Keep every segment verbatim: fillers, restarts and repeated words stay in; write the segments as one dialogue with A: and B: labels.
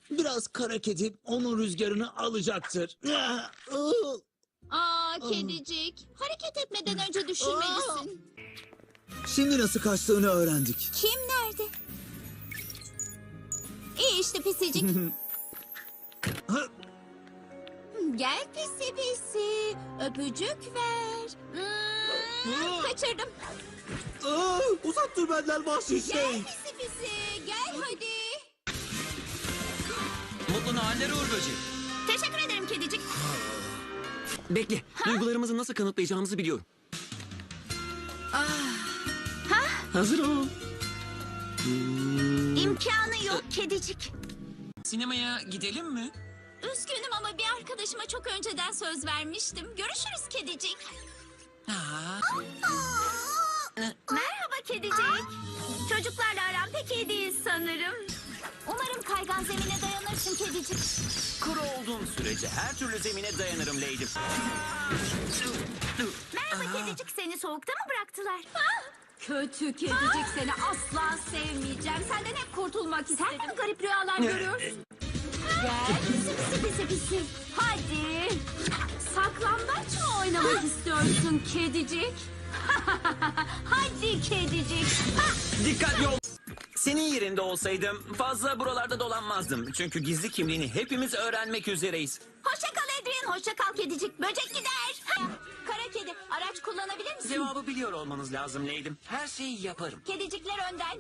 A: Biraz kara kedi onun rüzgarını alacaktır.
B: Aa kedicik. Hareket etmeden önce düşünmelisin.
A: Şimdi nasıl kaçtığını öğrendik.
B: Kim nerede? İyi işte pisicik. Gel pisi pisi. Öpücük ver. Hmm, kaçırdım.
A: Aa, uzak dur benden vahşi
B: Gel
A: şey.
B: pisi pisi. Gel hadi.
C: Mutlu nahaller Uğur Böceği.
B: Teşekkür ederim kedicik.
C: Bekle. Duygularımızı nasıl kanıtlayacağımızı biliyorum.
B: Ha?
C: Hazır ol.
B: İmkanı yok kedicik.
C: Sinemaya gidelim mi?
B: Üzgünüm ama bir arkadaşıma çok önceden söz vermiştim. Görüşürüz kedicik.
C: Aa,
B: Merhaba kedicik. Çocuklarla aram pek iyi değil sanırım. Umarım kaygan zemine dayanırsın kedicik.
C: kuru olduğum sürece her türlü zemine dayanırım Leydim.
B: Merhaba kedicik, seni soğukta mı bıraktılar?
D: Kötü kedicik, seni asla sevmeyeceğim. Senden hep kurtulmak istedim. Sen de mi garip rüyalar görüyorsun? Gel pisi pisi pisi pisi. Hadi. Saklambaç mı oynamak istiyorsun kedicik? Hadi kedicik.
C: Dikkatli ol. Senin yerinde olsaydım fazla buralarda dolanmazdım. Çünkü gizli kimliğini hepimiz öğrenmek üzereyiz.
B: Hoşça kal Adrian, hoşça kal kedicik. Böcek gider. Kara kedi, araç kullanabilir misin?
C: Cevabı biliyor olmanız lazım Leydim. Her şeyi yaparım.
B: Kedicikler önden.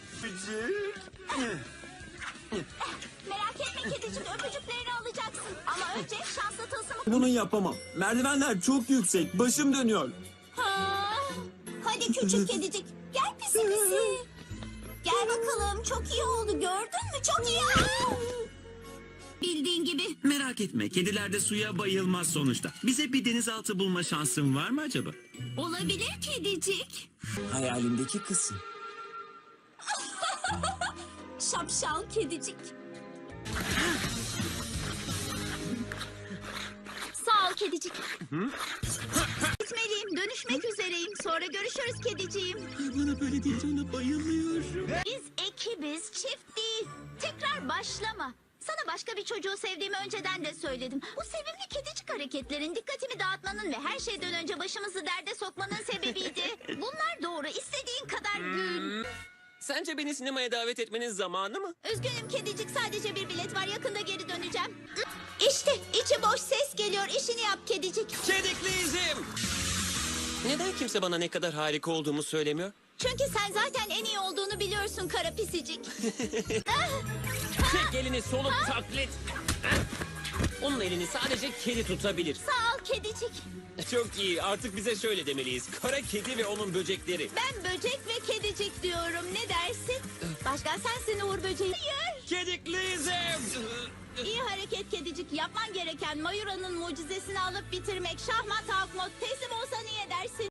B: Merak etme kedicik, öpücüklerini alacaksın. Ama önce şanslı tılsımı...
E: Bunu yapamam. Merdivenler çok yüksek. Başım dönüyor.
B: Ha. Hadi küçük kedicik, gel pisi pisi. Gel bakalım, çok iyi oldu, gördün mü? Çok iyi. Bildiğin gibi.
E: Merak etme. Kediler de suya bayılmaz sonuçta. Bize bir denizaltı bulma şansın var mı acaba?
B: Olabilir kedicik.
E: Hayalimdeki kızsın.
B: Şapşal kedicik. Sağ ol kedicik. Gitmeliyim, dönüşmek üzereyim. Sonra görüşürüz kediciğim.
E: Bana böyle deyince bayılıyorum.
B: Biz ekibiz, çift değil. Tekrar başlama. Sana başka bir çocuğu sevdiğimi önceden de söyledim. Bu sevimli kedicik hareketlerin dikkatimi dağıtmanın ve her şeyden önce başımızı derde sokmanın sebebiydi. Bunlar doğru. İstediğin kadar gül.
C: Sence beni sinemaya davet etmenin zamanı mı?
B: Üzgünüm kedicik, sadece bir bilet var. Yakında geri döneceğim. İşte içi boş ses geliyor. İşini yap kedicik.
C: Kedikliyizim. Neden kimse bana ne kadar harika olduğumu söylemiyor?
B: Çünkü sen zaten en iyi olduğunu biliyorsun kara pisicik.
C: Tek elini solup taklit. Onun elini sadece kedi tutabilir.
B: Sağ ol kedicik.
C: Çok iyi. Artık bize şöyle demeliyiz. Kara kedi ve onun böcekleri.
B: Ben böcek ve kedicik diyorum. Ne dersin? Başkan sensin Uğur Böceği. Hayır.
C: Kedikliyizim.
B: İyi hareket kedicik. Yapman gereken Mayura'nın mucizesini alıp bitirmek. Şahmat Hakmot teslim olsan iyi edersin.